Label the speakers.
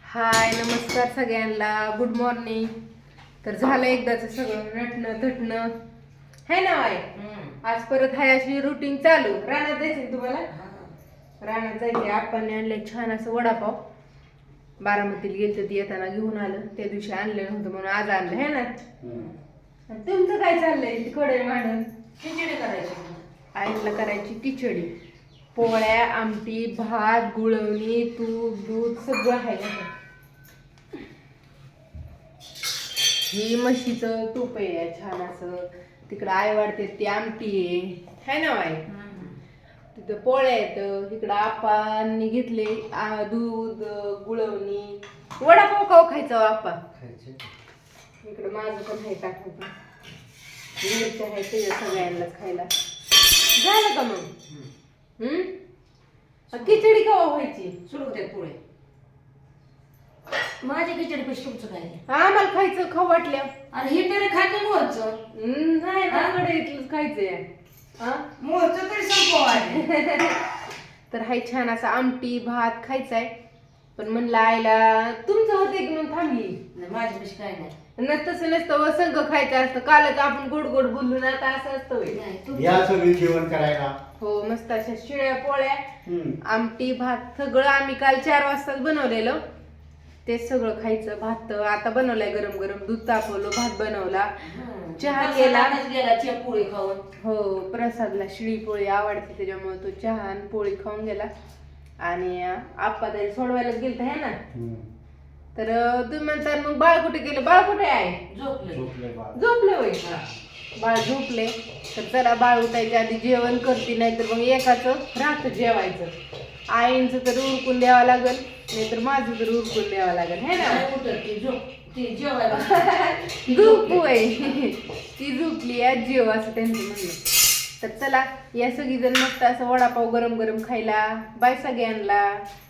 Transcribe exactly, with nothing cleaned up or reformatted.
Speaker 1: हाय नमस्कार सगळ्यांना, good morning. तर झालं एकदाच सगळं नटणं थटणं है ना बाय. आज परत हाय अशी रुटीन चालू. रानात जायचं तुम्हाला? रानात जायचे. आपण आणले छान असं वडापाव. बारामतीला गेलते ती येताना घेऊन आलं. त्या दिवशी आणलं नव्हतं म्हणून आज आणलं है ना. तुमचं काय चाललंय? तिकडे मांडून
Speaker 2: खिचडी करायची.
Speaker 1: आईला करायची खिचडी, पोळ्या, आमटी, भात, गुळवणी, तूप, दूध सगळं आहे ना. ही म्हशीचं तूप आहे छान असं. तिकडं आई वाढते ती आमटी आहे है ना बाई. तिथं पोळ्या आहेत. इकडं आपांनी घेतले आ, दूध, गुळवणी. वडापाव काव खायचा आप्पा. इकडं माझं पण आहे टाकायचं. मिरच्या आहे ते सगळ्यांनाच खायला. झालं का मग? हम्म खिचडी कवा व्हायची?
Speaker 2: सुरू होते पोळे. माझी खिचडी पेश तुमचं काय?
Speaker 1: आम्हाला खायचं खाऊ वाटल्या.
Speaker 2: अरे हे तरी खाते मोरचं.
Speaker 1: नाही आकडे इथलंच खायचंय. हा
Speaker 2: मोरचं तरी संपव आहे.
Speaker 1: तर हाय छान असं आमटी भात खायचाय. पण म्हणलं आईला तुमचं होते की म्हणून थांबली.
Speaker 2: नाही माझी पेश काय नाही.
Speaker 1: तसं नसतं व संघ खायचं असतं. कालच आपण गोड गोड बोललो ना, आता असं असतं होय.
Speaker 2: नाही, तुमचं-
Speaker 3: या सगळी जेवण करायला.
Speaker 1: हो मस्त अशा शिळ्या पोळ्या, आमटी भात सगळं आम्ही काल चार वाजताच बनवलेलं. ते सगळं खायचं. भात आता बनवलाय गरम गरम. दूध तापवलं, भात बनवला,
Speaker 2: हं.
Speaker 1: चहा
Speaker 2: प्रसाद
Speaker 1: केला.
Speaker 2: आताच गेला चिया पोळी खाऊन.
Speaker 1: हो प्रसादला शिळी पोळी आवडते त्याच्यामुळे तो चहा आणि पोळी खाऊन गेला. आणि आप्पा तरी सोडवायला गेलता है ना. तर तुम्ही म्हणता मग बाळ कुठे गेलं? बाळ कुठे आहे?
Speaker 2: झोपले.
Speaker 3: झोपले बाळ.
Speaker 1: झोपले होय. बाळ झोपले. तर चला बाळ उठायच्या आधी जेवण करते, नाही तर मग एकाचं राहतं जेवायचं. आईंचं तर उरकून द्यावं लागल, नाहीतर माझं तर उरकून द्यावं लागल है ना.
Speaker 2: नाही उठत ती झोप. ती जेवायला.
Speaker 1: झोप होय. ती झोपली आज जेव असं त्यांचं म्हणणं. तर चला या सगळी जण मस्त असं वडापाव गरम गरम खायला. बाय सगळ्यांना.